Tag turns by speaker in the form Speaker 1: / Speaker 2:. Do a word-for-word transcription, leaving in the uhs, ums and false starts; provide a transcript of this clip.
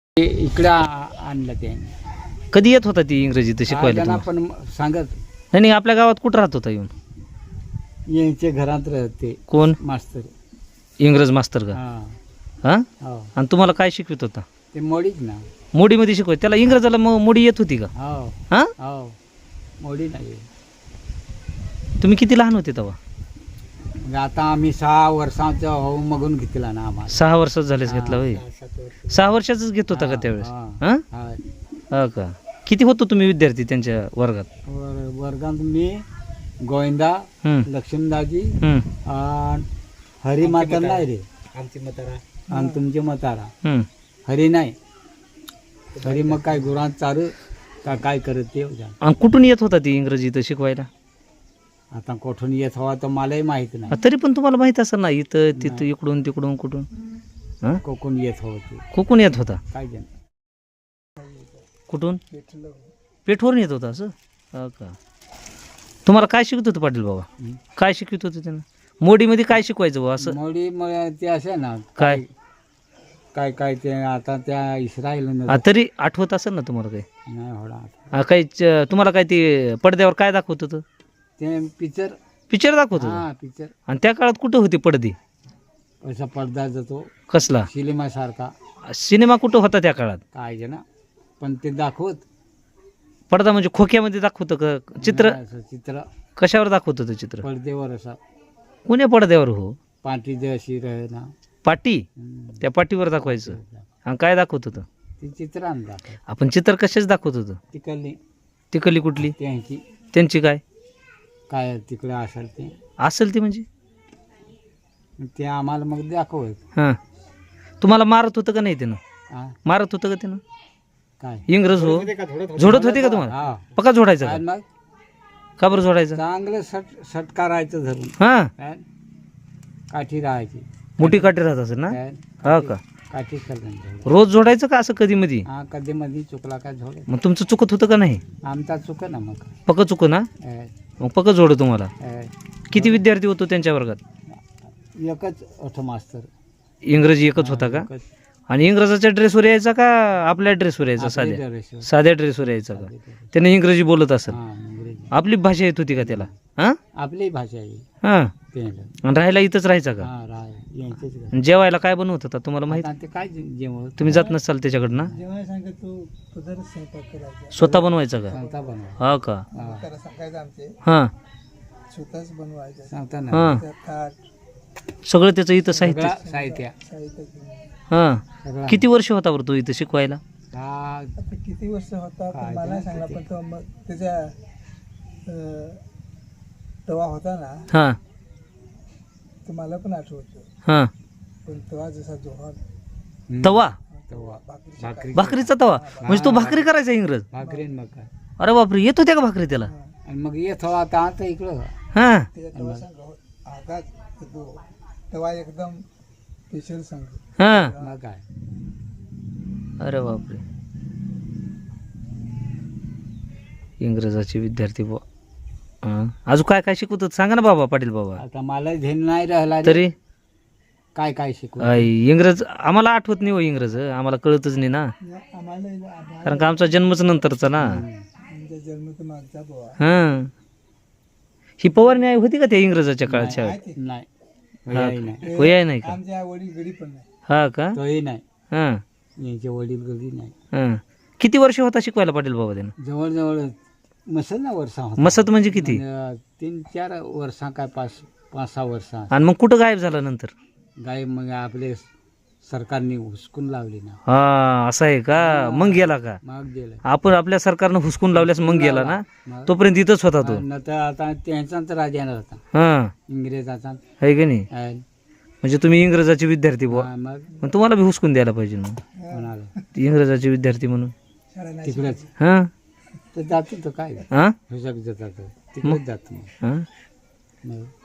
Speaker 1: ते इकडं आ- आणलं त्याने.
Speaker 2: कधी येत होता ती इंग्रजी तर शिकवायला
Speaker 1: त्यांना
Speaker 2: तुम्हाला?
Speaker 1: पण सांगत
Speaker 2: नाही नाही, आपल्या गावात कुठं राहत होता येऊन?
Speaker 1: यांचे घरात राहते
Speaker 2: कोण?
Speaker 1: मास्तर.
Speaker 2: इंग्रज मास्तर का?
Speaker 1: हा
Speaker 2: हा.
Speaker 1: हो
Speaker 2: आणि तुम्हाला काय शिकवित होता?
Speaker 1: ते मोडीच ना.
Speaker 2: मोडीमध्ये शिकवाय त्याला इंग्रजाला मग मोडी येत होती का?
Speaker 1: हो
Speaker 2: हा.
Speaker 1: हो मोडी नाही.
Speaker 2: तुम्ही किती लहान होते तेव्हा?
Speaker 1: मग आता आम्ही सहा वर्षाचा हो मगून घेतला ना आम्हाला.
Speaker 2: सहा वर्ष झालेच घेतला होय?
Speaker 1: हा, सात वर्ष.
Speaker 2: सहा वर्षाचाच घेत होता का
Speaker 1: हा,
Speaker 2: त्यावेळेस?
Speaker 1: हा,
Speaker 2: हा.
Speaker 1: हा.
Speaker 2: हा का? किती होतो तुम्ही विद्यार्थी त्यांच्या वर्गात?
Speaker 1: वर- वर्गात मी गोविंदा,
Speaker 2: हम्म,
Speaker 1: लक्ष्मीदाजी
Speaker 2: हम्म,
Speaker 1: आणि हरिमाता नाही रे.
Speaker 3: आमची मतारा
Speaker 1: आणि तुमचे मतारा
Speaker 2: हम्म.
Speaker 1: हरी नाही. हरी मग काय गुरांत चारू का काय करत ते जाण.
Speaker 2: आणि कुठून येत होता ती इंग्रजी इथं शिकवायला?
Speaker 1: आता कोठून येत हवा तर मलाही माहित नाही.
Speaker 2: तरी पण तुम्हाला माहित असेल ना, इथं तिथं
Speaker 1: नाही.
Speaker 2: इकडून तिकडून कुठून? हा.
Speaker 1: कोकण येत हवं ते
Speaker 2: कुठून येत होता?
Speaker 1: काय जण.
Speaker 2: कुठून? पेठवरून येत होता असं? हा का? तुम्हाला काय शिकत होतं पाटील बाबा?
Speaker 1: हं.
Speaker 2: काय शिकवत होते त्यांना? मोडीमध्ये काय शिकवायचं बाबा असं?
Speaker 1: मोडी मग ते असे ना
Speaker 2: काय?
Speaker 1: काय काय ते आता त्या इस्रायल
Speaker 2: हा, तरी आठवत असेल ना तुम्हाला काही?
Speaker 1: नाही होणार आता.
Speaker 2: हा, काही च- तुम्हाला काय ते पडद्यावर काय दाखवत होतं?
Speaker 1: ते पिक्चर.
Speaker 2: पिक्चर दाखवत होतं?
Speaker 1: हा पिक्चर.
Speaker 2: आणि त्या काळात कुठं होते पडदे?
Speaker 1: असा पडदा जातो
Speaker 2: कसला
Speaker 1: सिनेमा सारखा
Speaker 2: सिनेमा कुठं होता त्या काळात?
Speaker 1: काय जे ना पण ते दाखवत
Speaker 2: पडदा म्हणजे खोक्यामध्ये दाखवतं का चित्र?
Speaker 1: नाही, असं चित्र
Speaker 2: कशावर दाखवत होतं चित्र?
Speaker 1: पडद्यावर असा
Speaker 2: कोण्या पडद्यावर हो?
Speaker 1: पाठी जे अशी रहे ना.
Speaker 2: पाटी?
Speaker 1: हम्म.
Speaker 2: त्या पाटीवर दाखवायचं. आणि काय दाखवत होतं?
Speaker 1: ते चित्र आणलं
Speaker 2: आपण चित्र कशाच दाखवत होतं?
Speaker 1: तिकडली
Speaker 2: तिकडली कुठली?
Speaker 1: त्यांची
Speaker 2: त्यांची काय
Speaker 1: काय तिकडे असेल ते
Speaker 2: असेल ती म्हणजे?
Speaker 1: ते आम्हाला मग दाखवत.
Speaker 2: हां. तुम्हाला मारत होतं का नाही त्यानं?
Speaker 1: हा
Speaker 2: मारत होतं का त्यानं?
Speaker 1: काय
Speaker 2: इंग्रज हो झोडत होते का तुम्हाला?
Speaker 1: हा
Speaker 2: पक्का झोडायचा
Speaker 1: काय
Speaker 2: का?
Speaker 1: मग
Speaker 2: का बरं झोडायचं?
Speaker 1: चांगलं सट सट करायचं धरून
Speaker 2: हां.
Speaker 1: काय काठी राहायची
Speaker 2: मोठी काठी राहत असेल ना?
Speaker 1: काय
Speaker 2: हा का?
Speaker 1: काठी करून
Speaker 2: रोज झोडायचं का असं कधी मधी?
Speaker 1: हा कधी मध्ये चुकला काय झोडे.
Speaker 2: मग तुमचं चुकत होतं का नाही?
Speaker 1: आमचा चुक ना मग
Speaker 2: पक्क चुक ना?
Speaker 1: काय,
Speaker 2: मग पक्क झोड तुम्हाला.
Speaker 1: काय.
Speaker 2: किती विद्यार्थी होतो त्यांच्या वर्गात?
Speaker 1: एकच अठ मास्तर.
Speaker 2: इंग्रजी एकच होता का?
Speaker 1: एकच.
Speaker 2: आणि इंग्रजाच्या ड्रेसवर यायचा का आपल्या ड्रेसवर यायचा?
Speaker 1: आपल्या
Speaker 2: साध्या
Speaker 1: ड्रेसवर.
Speaker 2: साध्या ड्रेसवर यायचा का?
Speaker 1: आपल्या ड्रेसवर.
Speaker 2: त्याने इंग्रजी बोलत असेल.
Speaker 1: हा इंग्रजी
Speaker 2: आपली भाषा येत होती का त्याला? हां
Speaker 1: आपली भाषा आहे
Speaker 2: हां.
Speaker 1: ते.
Speaker 2: आणि राहायला इथंच राहायचा का?
Speaker 1: हा राय यांचेच घर.
Speaker 2: आणि जेवायला काय बनवत होता तुम्हाला माहित?
Speaker 1: आता ते काय जे- जेवण
Speaker 2: तुम्ही जात नसाल त्याच्याकडं ना?
Speaker 3: जेव्हा सांगत तू पदरच स्वयंपाक करायचा
Speaker 2: स्वतः बनवायचा का?
Speaker 1: सांगता बनवा.
Speaker 2: हा का?
Speaker 1: हा.
Speaker 3: त्याला सांगायचं आमचे
Speaker 2: हां
Speaker 3: स्वतःच बनवायचं
Speaker 1: सांगता ना
Speaker 2: हां.
Speaker 3: त्या ताट
Speaker 2: सगळं त्याचं इथं साहित्य.
Speaker 1: सगळं साहित्य
Speaker 3: साहित्य घेऊन.
Speaker 2: हां.
Speaker 1: सगळं.
Speaker 2: किती वर्ष होता बरं तू इथं शिकवायला?
Speaker 1: हा
Speaker 3: आता किती वर्ष होता
Speaker 1: काय
Speaker 3: पण मला
Speaker 1: नाही
Speaker 3: सांगला
Speaker 1: किती.
Speaker 3: पण तो मग त्याच्या अं, तेव्हा होता ना
Speaker 2: हां
Speaker 3: तो मला पण आठवतो
Speaker 2: हां.
Speaker 3: पण तेव्हा जसा जोहार
Speaker 1: हम्म.
Speaker 2: तवा?
Speaker 1: तवा.
Speaker 3: भाकरीची
Speaker 1: भाकरी
Speaker 2: भाकरीचा तवा? म्हणजे तो भाकरी करायचा इंग्रज?
Speaker 1: भाकरी न मग काय
Speaker 2: अरे बापरे, येत होत्या का भाकरी त्याला?
Speaker 1: आणि मग येत हवा आता आता इकडं
Speaker 2: हां.
Speaker 3: त्याच्या तेव्हा सांग आगात तो तेव्हा एकदम स्पेशल सांग
Speaker 2: हां.
Speaker 1: मग काय
Speaker 2: अरे बापरे, इंग्रजाचे विद्यार्थी बुवा. हां. अजून काय काय शिकवत होत सांगा ना बाबा, पाटील बाबा.
Speaker 1: आता मला ध्यान नाही राहिला रे.
Speaker 2: तरी
Speaker 1: काय काय शिकू
Speaker 2: आई, इंग्रज आम्हाला आठवत नाही हो इंग्रज, आम्हाला कळतच नाही ना,
Speaker 3: आम्हाला
Speaker 2: कारण का आमचा जन्मच नंतरचा ना.
Speaker 3: आमच्या जन्माचा मागचा बुवा
Speaker 2: हां. ही पवारणी आई होती का त्या इंग्रजाच्या काळात शाळेत?
Speaker 3: आहे ते.
Speaker 1: नाही
Speaker 2: हा.
Speaker 1: वयाही नाही
Speaker 2: होय आहे नाही का?
Speaker 3: आमच्या वडील गडी पण नाही
Speaker 2: हा का?
Speaker 1: तोही नाही
Speaker 2: हां
Speaker 1: यांचे वडील गली नाही.
Speaker 2: हां. किती वर्ष होता शिकवायला पाटील बाबा त्यानं?
Speaker 1: जवळजवळ मसल ना वर्षा होता.
Speaker 2: मसत म्हणजे किती?
Speaker 1: म्हणजे तीन चार वर्षा काय पाच पाच सहा वर्षा
Speaker 2: आणि मग कुठं गायब झाला नंतर?
Speaker 1: गाय मग आपले सरकारने हुसकून लावली ना.
Speaker 2: हा असं आहे का? मग गेला का?
Speaker 1: मग गेलं
Speaker 2: आपण आपल्या सरकारनं हुसकून लावल्यास मग गेला ना?
Speaker 1: मग
Speaker 2: तोपर्यंत इथंच होता तो.
Speaker 1: न तर आता त्यांचा तर राजा होता
Speaker 2: हां
Speaker 1: इंग्रजाचा.
Speaker 2: आहे का नाही?
Speaker 1: आहे.
Speaker 2: म्हणजे तुम्ही इंग्रजाचे विद्यार्थी बुवा,
Speaker 1: हा, मग
Speaker 2: मग तुम्हाला बी हुसकून द्यायला पाहिजे मग,
Speaker 1: म्हणाला
Speaker 2: इंग्रजाचे विद्यार्थी म्हणून.
Speaker 3: शाळा नाही
Speaker 1: तिकडेच
Speaker 2: हां
Speaker 1: तर जातो तो काय
Speaker 2: हां
Speaker 1: हुसक जातात तिकडेच जातो मग.
Speaker 2: हां.
Speaker 1: मग